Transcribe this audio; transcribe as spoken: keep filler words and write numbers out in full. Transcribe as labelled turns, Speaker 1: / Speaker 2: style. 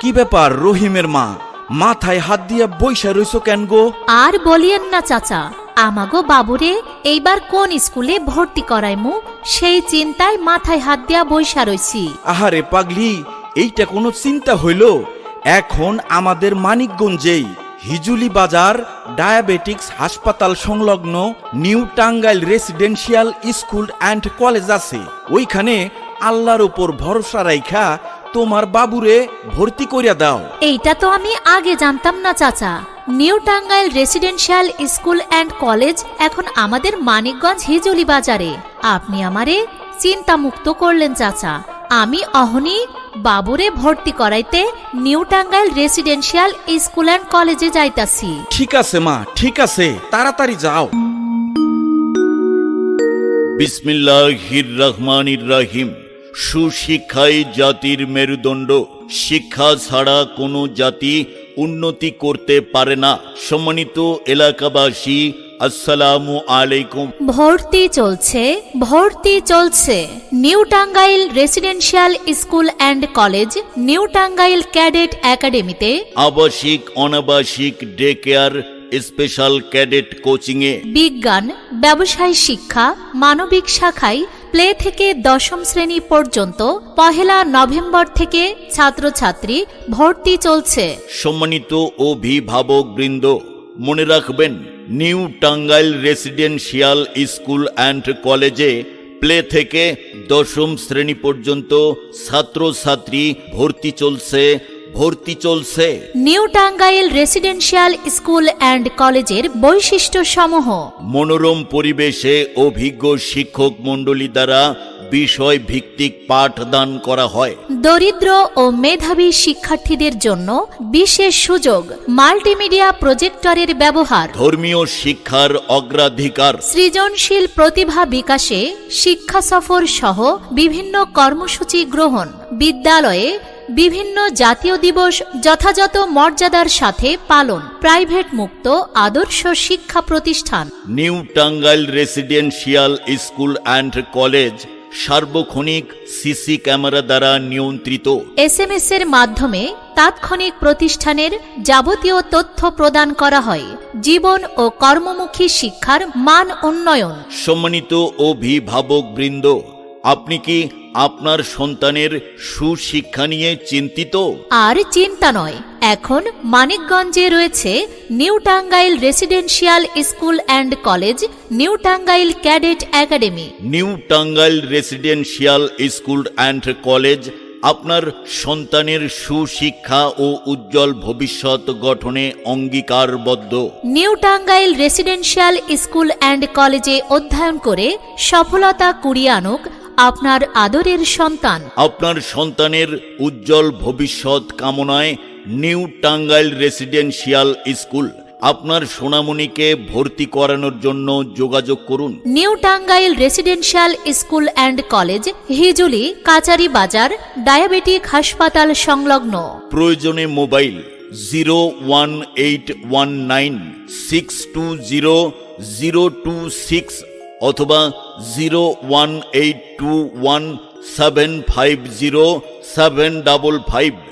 Speaker 1: কি ব্যাপার রহিমের মা, মাথায় হাত দিয়া বইসা রইছো কেন গো?
Speaker 2: আর বলিয়েন না চাচা, আমাগো বাবুরে এইবার কোন স্কুলে ভর্তি করাইমু সেই চিন্তায় মাথায় হাত দিয়া বইসা রইছি।
Speaker 1: আহারে পাগলি, এইটা কোনো চিন্তা হইল? এখন আমাদের মানিকগঞ্জেই হিজুলি বাজার ডায়াবেটিক্স হাসপাতাল সংলগ্ন New Tangail residential school and college আছে। ওইখানে আল্লাহর উপর ভরসা রাইখা তোমার বাবুরে ভর্তি করিয়া দাও।
Speaker 2: এইটা তো আমি আগে জানতাম না চাচা। New Tangail residential school and college এখন আমাদের মানিকগঞ্জ হিজুলি বাজারে। আপনি আমারে চিন্তা মুক্ত করলেন চাচা। আমি অহনি বাবুরে ভর্তি করাইতে New Tangail residential school and কলেজে যাইতাছি।
Speaker 1: ঠিক আছে মা, ঠিক আছে, তাড়াতাড়ি যাও।
Speaker 3: বিসমিল্লাহির রহমানির রহিম। সুশিক্ষাই জাতির মেরুদণ্ড। শিক্ষা ছাড়া কোনো জাতি উন্নতি করতে পারে না। সম্মানিত এলাকাবাসী, আসসালামু আলাইকুম।
Speaker 2: ভর্তি চলছে, ভর্তি চলছে। New Tangail residential school and college, New Tangail cadet একাডেমিতে
Speaker 3: আবাসিক অনাবাসিক ডে কেয়ার, স্পেশাল ক্যাডেট কোচিংয়ে
Speaker 2: বিজ্ঞান, ব্যবসায় শিক্ষা, মানবিক শাখায় প্লে থেকে দশম শ্রেণী পর্যন্ত পহেলা নভেম্বর থেকে ছাত্রছাত্রী ভর্তি চলছে।
Speaker 3: সম্মানিত অভিভাবক বৃন্দ, মনে রাখবেন, New Tangail residential school and কলেজে প্লে থেকে দশম শ্রেণী পর্যন্ত ছাত্রছাত্রী ভর্তি চলছে, ভর্তি চলছে।
Speaker 2: New Tangail residential school and কলেজের বৈশিষ্ট্য সমূহ:
Speaker 3: মনোরম পরিবেশে অভিজ্ঞ শিক্ষক মণ্ডলী দ্বারা বিষয় ভিত্তিক পাঠদান করা হয়।
Speaker 2: দরিদ্র ও মেধাবী শিক্ষার্থীদের জন্য বিশেষ সুযোগ, মাল্টিমিডিয়া প্রজেক্টরের ব্যবহার,
Speaker 3: ধর্মীয় শিক্ষার অগ্রাধিকার,
Speaker 2: সৃজনশীল প্রতিভা বিকাশে শিক্ষা সফর সহ বিভিন্ন কর্মসূচি গ্রহণ। বিদ্যালয়ে বিভিন্ন জাতীয় দিবস যথাযথ মর্যাদার সাথে পালন। প্রাইভেট মুক্ত আদর্শ শিক্ষা প্রতিষ্ঠান।
Speaker 3: New Tangail residential school and college সার্বক্ষণিক সিসি ক্যামেরা দ্বারা নিয়ন্ত্রিত।
Speaker 2: এস এম এস এর মাধ্যমে তাৎক্ষণিক প্রতিষ্ঠানের যাবতীয় তথ্য প্রদান করা হয়। জীবন ও কর্মমুখী শিক্ষার মান উন্নয়ন।
Speaker 3: সম্মানিত অভিভাবক বৃন্দ, আপনি কি আপনার সন্তানের সুশিক্ষা নিয়ে চিন্তিত?
Speaker 2: আর চিন্তা নয়, এখন মানিকগঞ্জে রয়েছে New Tangail residential school and college, New Tangail cadet academy.
Speaker 3: New Tangail residential school and college আপনার সন্তানের সুশিক্ষা ও উজ্জ্বল ভবিষ্যৎ গঠনে অঙ্গীকারবদ্ধ।
Speaker 2: New Tangail residential school and কলেজে অধ্যয়ন করে সফলতা কুড়িয়ে আনুক আপনার আদরের সন্তান।
Speaker 3: আপনার সন্তানের উজ্জ্বল ভবিষ্যৎ কামনায় নিউ টাঙ্গাইল রেসিডেন্সিয়াল স্কুল আপনার সোনামণিকে ভর্তি করানোর জন্য যোগাযোগ করুন।
Speaker 2: New Tangail residential school and college, Hijuli Kachari Bazar, diabetic হাসপাতাল সংলগ্ন।
Speaker 3: প্রয়োজনে mobile zero one eight one nine six two zero zero two six অথবা zero one eight two one seven five zero seven double five.